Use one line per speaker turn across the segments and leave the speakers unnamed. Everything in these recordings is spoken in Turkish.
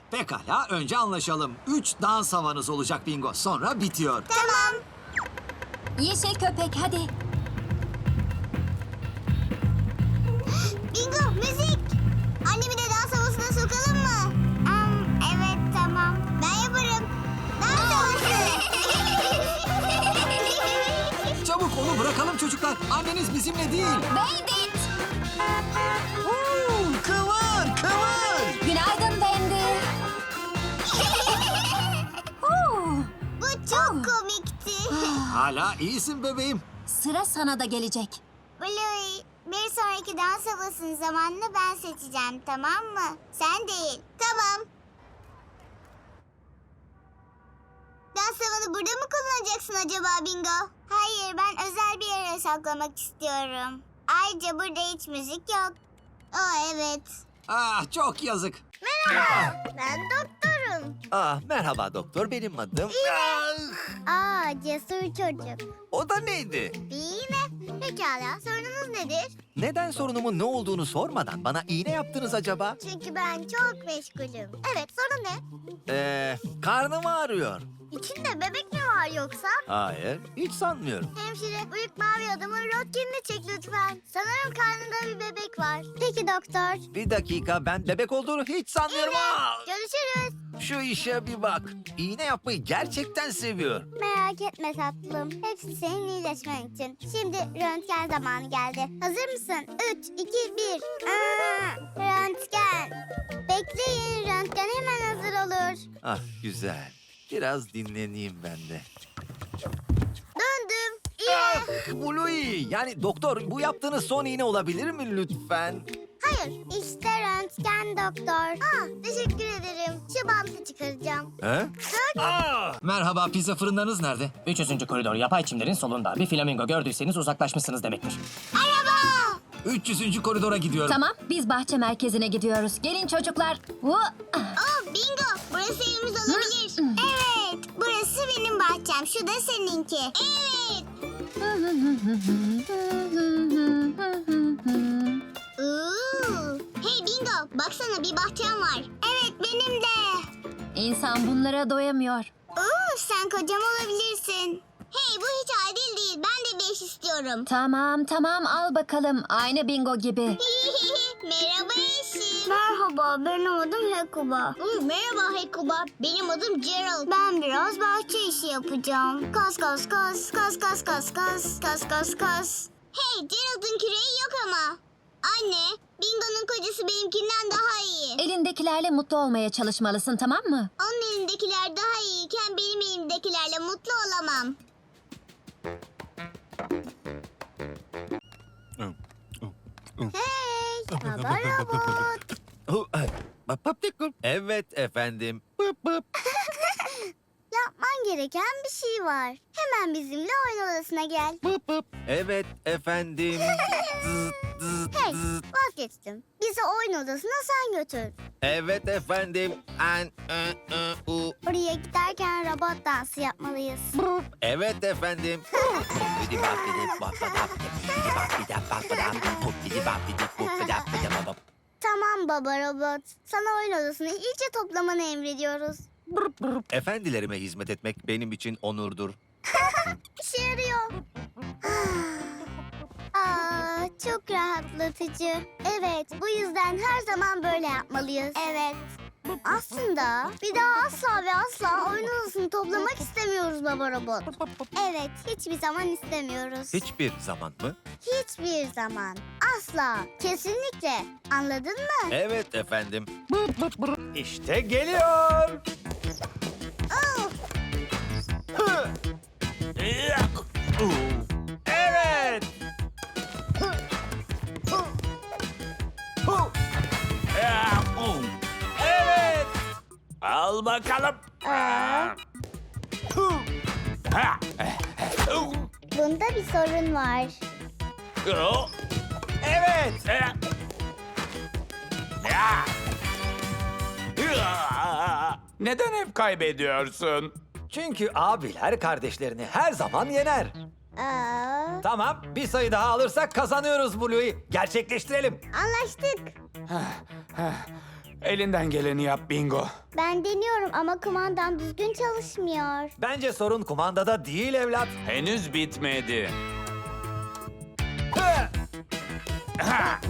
Pekala, önce anlaşalım. 3 dans havanız olacak bingo. Sonra bitiyor.
Tamam.
Yeşil köpek hadi.
Bingo, müzik. Annemi de dans havasına sokalım mı? Evet, tamam. Ben yaparım. Dans havası.
Çabuk onu bırakalım çocuklar. Anneniz bizimle değil.
Bandit.
Kıvır, kıvır.
Günaydın Bandit.
Bu çok komikti.
Hala iyisin bebeğim.
Sıra sana da gelecek.
Bluey, bir sonraki dans havasının zamanını ben seçeceğim, tamam mı? Sen değil. Tamam. Dans havanı burada mı kullanacaksın acaba Bingo? Hayır, ben özel bir yere saklamak istiyorum. Ayrıca burada hiç müzik yok. Evet.
Ah, çok yazık.
Merhaba, ben doktorum.
Merhaba doktor, benim adım.
Cesur çocuk.
O da neydi?
Bir iğne. Pekala, sorununuz nedir?
Neden sorunumun ne olduğunu sormadan bana iğne yaptınız acaba?
Çünkü ben çok meşgulüm. Evet, sorun ne?
Karnım ağrıyor.
İçinde bebek mi var yoksa?
Hayır, hiç sanmıyorum.
Hemşire, büyük mavi adamın röntgenini çek lütfen. Sanırım karnında bir bebek var. Peki doktor.
Bir dakika, ben bebek olduğunu hiç sanmıyorum.
Görüşürüz.
Şu işe bir bak. İğne yapmayı gerçekten seviyor.
Merak etme tatlım. Hepsi senin iyileşmen için. Şimdi röntgen zamanı geldi. Hazır mısın? 3, 2, 1. Röntgen. Bekleyin, röntgen hemen hazır olur.
Ah güzel. Biraz dinleneyim ben de.
Döndüm. İyi.
Bluey, yani doktor bu yaptığınız son iğne olabilir mi lütfen?
Hayır, işte röntgen doktor. Teşekkür ederim. Şu bantı çıkaracağım.
He?
Merhaba, pizza fırınlarınız nerede?
300. koridor yapay çimlerin solunda. Bir flamingo gördüyseniz uzaklaşmışsınız demektir.
Araba!
300. koridora gidiyorum.
Tamam, biz bahçe merkezine gidiyoruz. Gelin çocuklar.
Bingo! Burası evimiz olabilir. Evet, burası benim bahçem. Şu da seninki. Evet. Hey Bingo, baksana bir bahçem var. Evet, benim de.
İnsan bunlara doyamıyor.
Sen kocam olabilirsin. Hey, bu hiç adil değil. Ben de 5 istiyorum.
Tamam al bakalım. Aynı bingo gibi.
Merhaba eşim. Merhaba, benim adım Hekuba. Merhaba Hekuba, benim adım Gerald. Ben biraz bahçe işi yapacağım. Kas. Hey, Gerald'ın küreği yok ama. Anne, Bingo'nun kocası benimkinden daha iyi.
Elindekilerle mutlu olmaya çalışmalısın, tamam mı?
Onun elindekiler daha iyiyken benim elimdekilerle mutlu olamam. Hey, baba robot.
Evet efendim. Pıp pıp.
Yapman gereken bir şey var. Hemen bizimle oyun odasına gel.
Pıp pıp. Evet efendim.
Hey, vazgeçtim. Bizi oyun odasına sen götür.
Evet efendim.
Oraya giderken robot dansı yapmalıyız.
Evet efendim.
Tamam baba robot. Sana oyun odasını iyice toplamanı emrediyoruz.
Efendilerime hizmet etmek benim için onurdur.
İşe yarıyor. Çok rahatlatıcı. Evet, bu yüzden her zaman böyle yapmalıyız. Evet. Aslında bir daha asla ve asla oyun odasını toplamak istemiyoruz baba robot. Evet, hiçbir zaman istemiyoruz.
Hiçbir zaman mı?
Hiçbir zaman. Asla. Kesinlikle. Anladın mı?
Evet efendim.
İşte geliyor.
Oh,
Evet. Evet. Al bakalım.
bunda bir sorun var.
Evet. Neden hep kaybediyorsun?
Çünkü abiler kardeşlerini her zaman yener. Tamam, bir sayı daha alırsak kazanıyoruz Bluey. Gerçekleştirelim.
Anlaştık.
Elinden geleni yap Bingo.
Ben deniyorum ama kumandam düzgün çalışmıyor.
Bence sorun kumandada değil evlat.
Henüz bitmedi.
Hı!
Ha!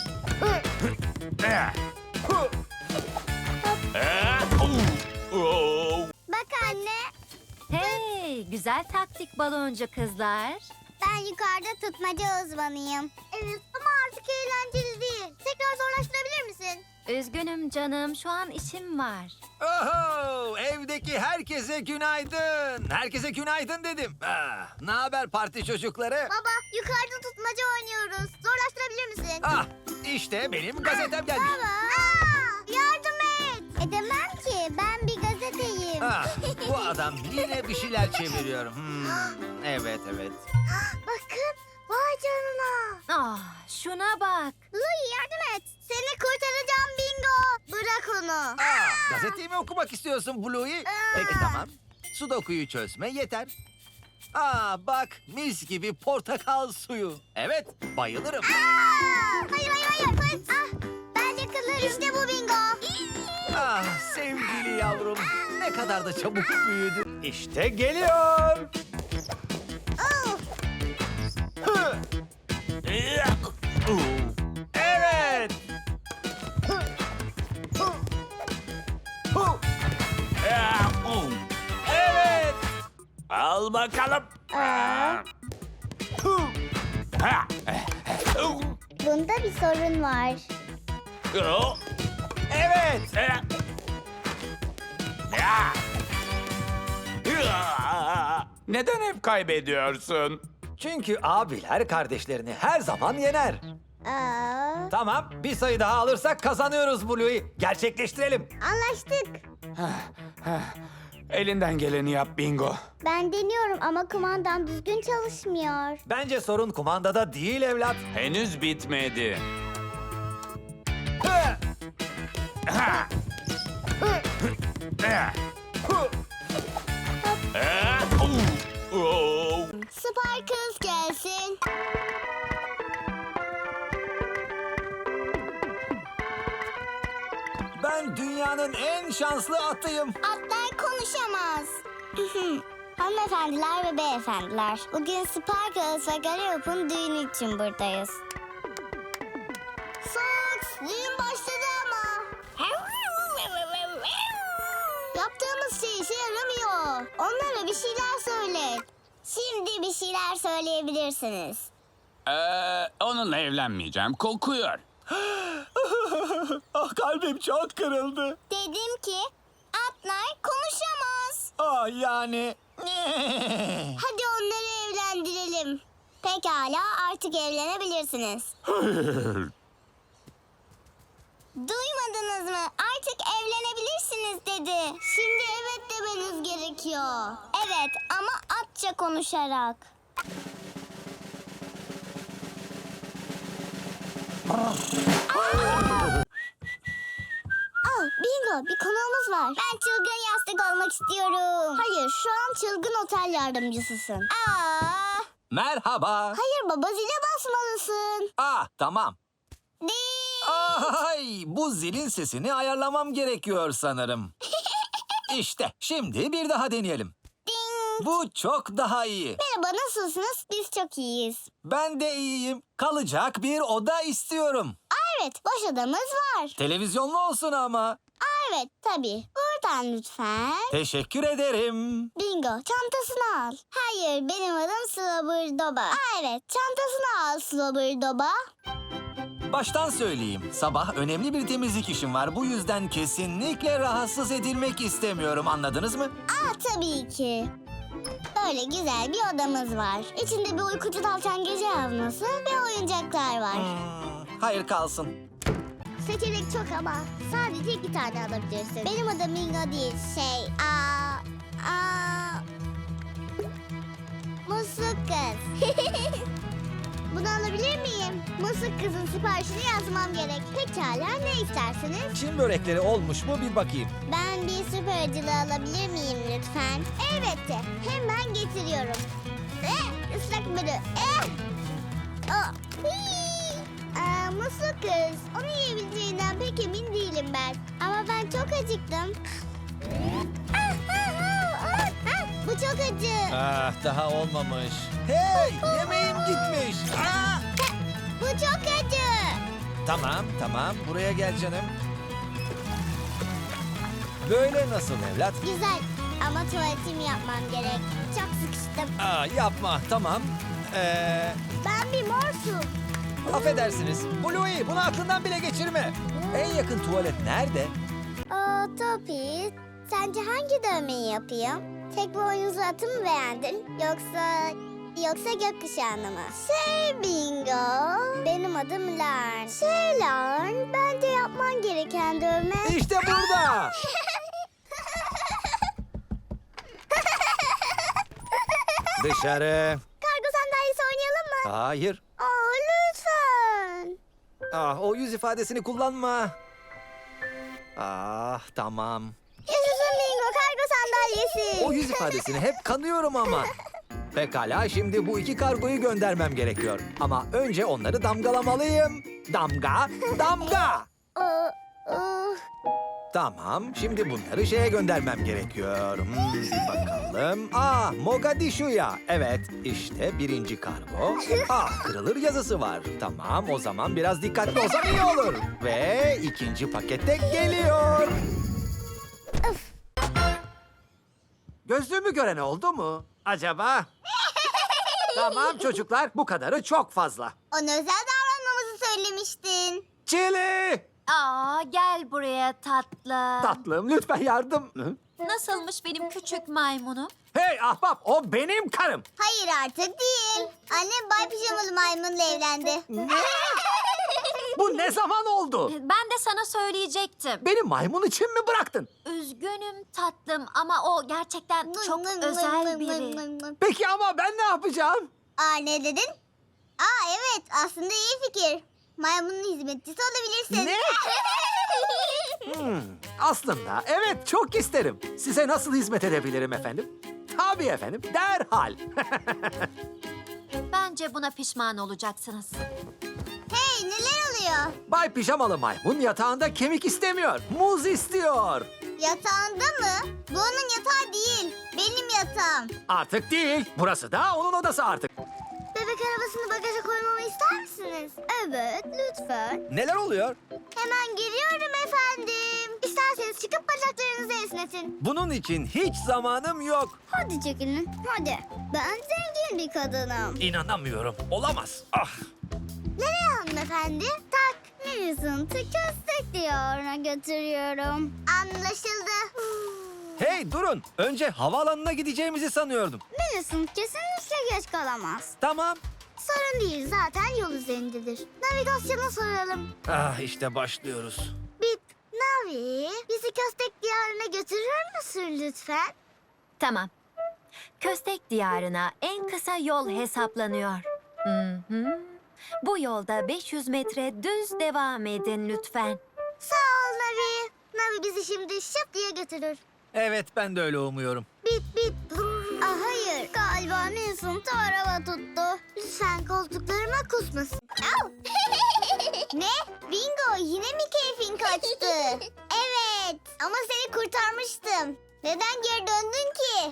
Bak anne,
Hey, güzel taktik baloncu kızlar.
ben yukarıda tutmaca uzmanıyım. Evet ama artık eğlenceli değil. Tekrar zorlaştırabilir misin?
Üzgünüm canım, şu an işim var.
Oho! Evdeki herkese günaydın. Herkese günaydın dedim. Ne haber parti çocukları?
Baba, yukarıda tutmaca oynuyoruz. Zorlaştırabilir misin?
Ah, işte benim gazetem gelmiş.
Baba! Yardım et! Edemem ki, ben bir gazeteyim.
Ah, bu adam yine bir şeyler çeviriyor. Evet.
Bakın, vay canına.
Ah, şuna bak.
Louie yardım et. Seni kurtaracağım Bingo. Bırak onu.
Gazeteyi mi okumak istiyorsun Bluey? Peki tamam. Sudoku'yu çözme yeter. Bak mis gibi portakal suyu. Evet, bayılırım.
Hayır. Ben yakalarım. İşte bu Bingo.
Sevgili yavrum. Ne kadar da çabuk büyüdü. İşte geliyor. Hı. Evet. Evet.
Al bakalım. Ha!
Bunda bir sorun var.
Evet.
Neden hep kaybediyorsun?
Çünkü abiler kardeşlerini her zaman yener. Tamam, bir sayı daha alırsak kazanıyoruz Bluey. Gerçekleştirelim.
Anlaştık.
Elinden geleni yap Bingo.
Ben deniyorum ama kumandam düzgün çalışmıyor.
Bence sorun kumandada değil evlat.
Henüz bitmedi.
Hı!
Ha!
Hı!
Sparkles gelsin.
Ben dünyanın en şanslı atıyım.
Atlar konuşamaz. Hanımefendiler ve beyefendiler, bugün Sparkles ve Gallop'un düğünü için buradayız. Fox, düğün başladı ama. Yaptığımız şey işe yaramıyor. Onlara bir şeyler söyle. Şimdi bir şeyler söyleyebilirsiniz.
Onunla evlenmeyeceğim. Kokuyor.
Kalbim çok kırıldı.
Dedim ki atlar konuşamaz.
Yani...
Hadi onları evlendirelim. Pekala, artık evlenebilirsiniz. Duymadınız mı? Artık evlenebilirsiniz dedi. Şimdi evet demeniz gerekiyor. Evet ama atça konuşarak. Bingo, bir konuğumuz var. Ben çılgın yastık olmak istiyorum. Hayır, şu an çılgın otel yardımcısısın.
Merhaba.
Hayır baba, zile basmalısın.
Tamam.
Değil.
Ay, bu zilin sesini ayarlamam gerekiyor sanırım. İşte, şimdi bir daha deneyelim.
Ding.
Bu çok daha iyi.
Merhaba, nasılsınız? Biz çok iyiyiz.
Ben de iyiyim. Kalacak bir oda istiyorum.
Evet, boş odamız var.
Televizyonlu olsun ama.
Evet, tabii. Buradan lütfen.
Teşekkür ederim.
Bingo, çantasını al. Hayır, benim adım Slobberdoba. Evet, çantasını al Slobberdoba.
Baştan söyleyeyim. Sabah önemli bir temizlik işim var. Bu yüzden kesinlikle rahatsız edilmek istemiyorum. Anladınız mı?
Tabii ki. Böyle güzel bir odamız var. İçinde bir uykucu tavşan gece yazması ve oyuncaklar var.
Hayır kalsın.
Seçenek çok ama sadece 2 tane alabilirsin. Benim adım Bingo değil, Musluk kız. Bunu alabilir miyim? Musluk kızın siparişini yazmam gerek. Pekala, ne istersiniz?
Çin börekleri olmuş mu bir bakayım.
Ben bir süper acılı alabilir miyim lütfen? Elbette, hemen getiriyorum. Islak börü. Musluk kız, onu yiyebileceğinden pek emin değilim tembel. Ama ben çok acıktım. Bu çok acı.
Ah, daha olmamış. Hey, yemeğim gitmiş. Ah!
Bu çok acı.
Tamam, buraya gel canım. Böyle nasıl evlat?
Güzel ama tuvaletimi yapmam gerek. Çok sıkıştım.
Yapma, tamam.
Ben bir morsum.
Affedersiniz. Bluey, bunu aklından bile geçirme. En yakın tuvalet nerede?
Topi, sence hangi dövmeyi yapayım? Tek boynuzlu atı mı beğendin? Yoksa gökkuşağını mı? Bingo, benim adım Lern. Lern, bence yapman gereken dövme...
İşte burada. Dışarı.
Kargo sandalyesi oynayalım mı?
Hayır.
Lütfen.
O yüz ifadesini kullanma. Tamam.
Yaşasın Bingo, kargo sandalyesi.
O yüz ifadesini hep kanıyorum ama. Pekala, şimdi bu 2 kargoyu göndermem gerekiyor. Ama önce onları damgalamalıyım. Damga, damga. Tamam, şimdi bunları şeye göndermem gerekiyor. Bir bakalım. Mogadishu'ya. Evet, işte 1. kargo. Kırılır yazısı var. Tamam, o zaman biraz dikkatli olsam iyi olur. Ve 2. pakette geliyor. Gözlüğümü gören oldu mu acaba? Tamam çocuklar, bu kadarı çok fazla.
Ona özel davranmamızı söylemiştin.
Çili!
Gel buraya tatlım.
Tatlım, lütfen yardım.
Nasılmış benim küçük maymunum?
Hey ahbap, o benim karım.
Hayır artık değil. Annem Bay Pijamalı Maymun'la evlendi.
Bu ne zaman oldu?
Ben de sana söyleyecektim.
Beni maymun için mi bıraktın?
Üzgünüm tatlım ama o gerçekten çok özel biri.
Peki ama ben ne yapacağım?
Ne dedin? Evet, aslında iyi fikir. Maymunun hizmetçisi olabilirsin.
Ne? Aslında evet, çok isterim. Size nasıl hizmet edebilirim efendim? Tabii efendim, derhal.
Bence buna pişman olacaksınız.
Hey, neler oluyor?
Bay Pijamalı Maymun yatağında kemik istemiyor, muz istiyor.
Yatağında mı? Bu onun yatağı değil. Benim yatağım.
Artık değil, burası da onun odası artık.
Bebek arabasını bagaja koymamı ister misiniz? Evet, lütfen.
Neler oluyor?
Hemen geliyorum efendim. İsterseniz çıkıp bacaklarınızı esnetin.
Bunun için hiç zamanım yok.
Hadi çekilin, hadi. Ben zengin bir kadınım.
İnanamıyorum, olamaz.
Nereye hanımefendi? Tak. Millicent'ı köstek diyarına götürüyorum. Anlaşıldı.
Hey durun, önce havaalanına gideceğimizi sanıyordum.
Millicent kesinlikle geç kalamaz.
Tamam.
Sorun değil, zaten yol üzerindedir. Navigasyona soralım.
İşte başlıyoruz.
Bip, Navi, bizi köstek diyarına götürür müsün lütfen?
Tamam. Köstek diyarına en kısa yol hesaplanıyor. Hı. Bu yolda 500 metre düz devam edin lütfen.
Sağ ol Navi. Navi bizi şimdi şıp diye götürür.
Evet, ben de öyle umuyorum.
Bip bip. Hayır, galiba Millicent'ı araba tuttu. Lütfen koltuklarıma kusmasın. Au! Ne? Bingo, yine mi keyfin kaçtı? Evet, ama seni kurtarmıştım. Neden geri döndün ki?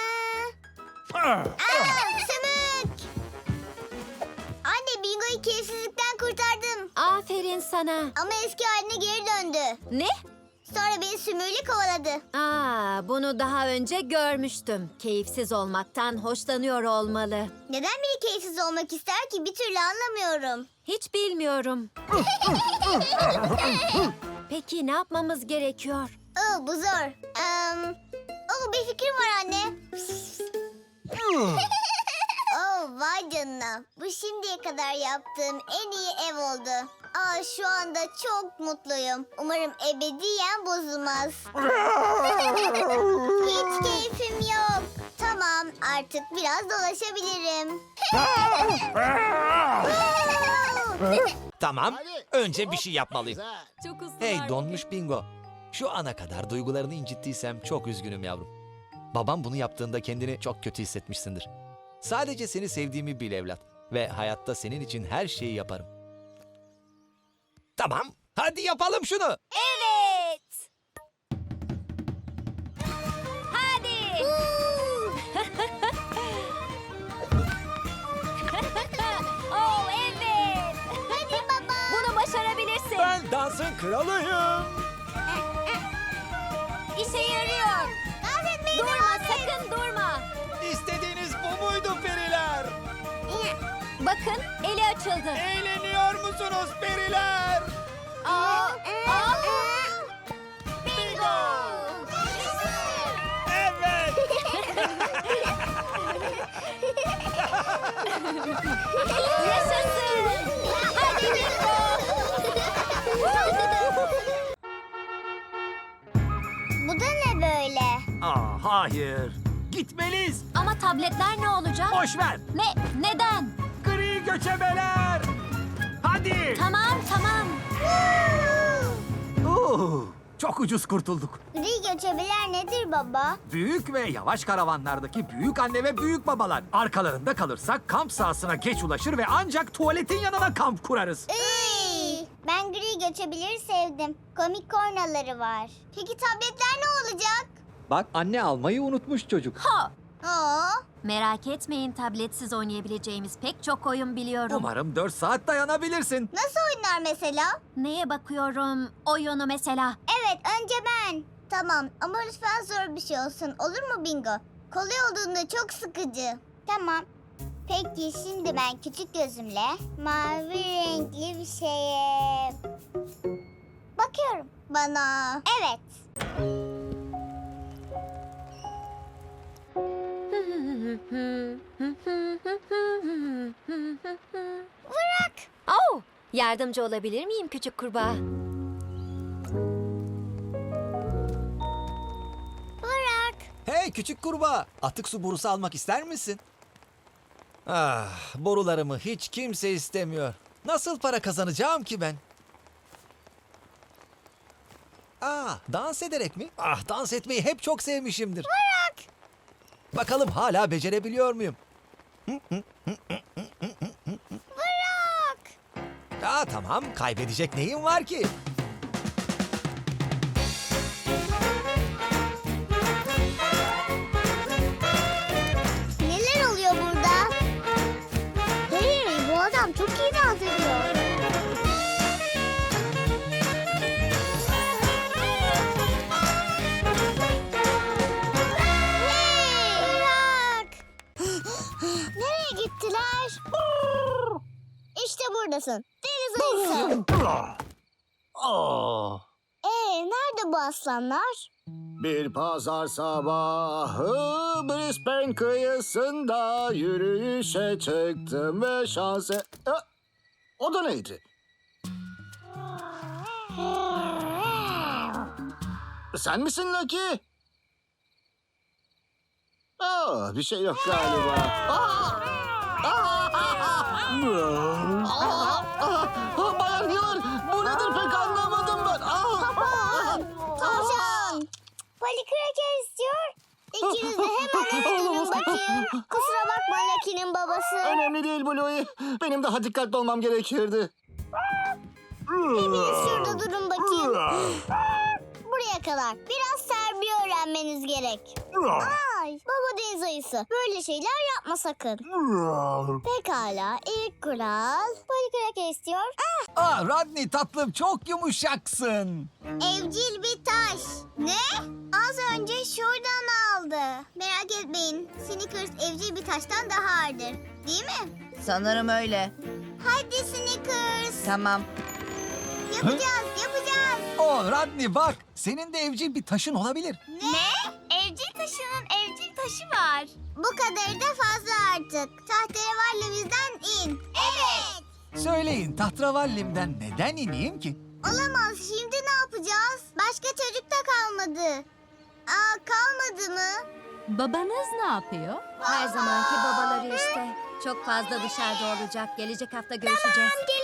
Sümük! Anne, Bingo'yu keyifsizlikten kurtardım.
Aferin sana.
Ama eski haline geri döndü.
Ne?
Sonra beni sümüğüyle kovaladı.
Bunu daha önce görmüştüm. Keyifsiz olmaktan hoşlanıyor olmalı.
Neden biri keyifsiz olmak ister ki, bir türlü anlamıyorum.
Hiç bilmiyorum. Peki ne yapmamız gerekiyor?
Bu zor. Bir fikrim var anne. Vay canına. Bu şimdiye kadar yaptığım en iyi ev oldu. Şu anda çok mutluyum. Umarım ebediyen bozulmaz. Hiç keyfim yok. Tamam, artık biraz dolaşabilirim.
Tamam, önce bir şey yapmalıyım.
Çok ısrar.
Hey donmuş Bingo. Şu ana kadar duygularını incittiysem çok üzgünüm yavrum. Babam bunu yaptığında kendini çok kötü hissetmişsindir. Sadece seni sevdiğimi bil evlat. Ve hayatta senin için her şeyi yaparım. Tamam, hadi yapalım şunu.
Evet.
dansın kralıyım.
İşe yarıyor.
Dans etmeyi
Durma,
devam et.
sakın durma.
İstediğiniz bu muydu periler?
Bakın, eli açıldı.
Eğleniyor musunuz periler?
Bingo!
Evet.
Yaşasın! Hadi bingo!
Bu da ne böyle?
Hayır. Gitmeliyiz.
Ama tabletler ne olacak?
Boş ver.
Neden?
Gri göçebeler. Hadi.
Tamam.
Çok ucuz kurtulduk.
Gri göçebeler nedir baba?
Büyük ve yavaş karavanlardaki büyük anne ve büyük babalar. Arkalarında kalırsak kamp sahasına geç ulaşır ve ancak tuvaletin yanına kamp kurarız.
Ben gri göçebeleri sevdim. Komik kornaları var. Peki tabletler ne olacak?
Bak anne almayı unutmuş çocuk.
Oo,
Merak etmeyin, tabletsiz oynayabileceğimiz pek çok oyun biliyorum.
Umarım 4 saat dayanabilirsin.
nasıl oyunlar mesela?
Neye bakıyorum? Oyunu mesela.
Evet, önce ben. Tamam ama lütfen zor bir şey olsun. Olur mu Bingo? Kolay olduğunda çok sıkıcı. Tamam. Peki şimdi ben küçük gözümle mavi renkli bir şeye bakıyorum. Bana. Evet. Bırak.
Oh, yardımcı olabilir miyim küçük kurbağa?
Bırak.
Hey küçük kurbağa, atık su borusu almak ister misin? Borularımı hiç kimse istemiyor. Nasıl para kazanacağım ki ben? Dans ederek mi? Dans etmeyi hep çok sevmişimdir. Bırak. Bakalım hala becerebiliyor muyum?
Bırak.
Tamam, kaybedecek neyim var ki?
Neler oluyor burada? Hey, bu adam çok iyi dans ediyor. Hey, bırak. Nereye gittiler? İşte buradasın. Deniz ayısı. Nerede bu aslanlar?
Bir pazar sabahı Brisbane kıyısında yürüyüşe çıktım ve şanse... O da neydi? Sen misin Lucky? Bir şey yok galiba. Bayan Hill, bu nedir pek anlamadım ben.
Tavşan. Poli kraker istiyor. İkiniz de hemen eve dönün bakayım. Kusura bakma Lucky'nin babası.
Önemli değil Bluey. Benim daha dikkatli olmam gerekirdi.
Hepiniz şurada durun bakayım. Buraya kadar. Biraz terbiye öğrenmeniz gerek. Ay, baba deniz ayısı. Böyle şeyler yapma sakın. Pekala. İlk kural. Poli kraker istiyor.
Rodney tatlım çok yumuşaksın.
Evcil bir taş. Ne? Az önce şuradan aldı. Merak etmeyin. Snickers evcil bir taştan daha ağırdır. Değil mi?
Sanırım öyle.
Hadi Snickers.
Tamam.
Yapacağız.
Rodney bak, senin de evcil bir taşın olabilir.
Ne? Evcil taşının evcil taşı var. Bu kadarı da fazla artık. Tahterevallimizden in. Evet.
Söyleyin, tahterevallimden neden ineyim ki?
Olamaz. Şimdi ne yapacağız? Başka çocuk da kalmadı. Kalmadı mı?
Babanız ne yapıyor?
Her zamanki babaları işte. Çok fazla dışarıda olacak. Gelecek hafta görüşeceğiz.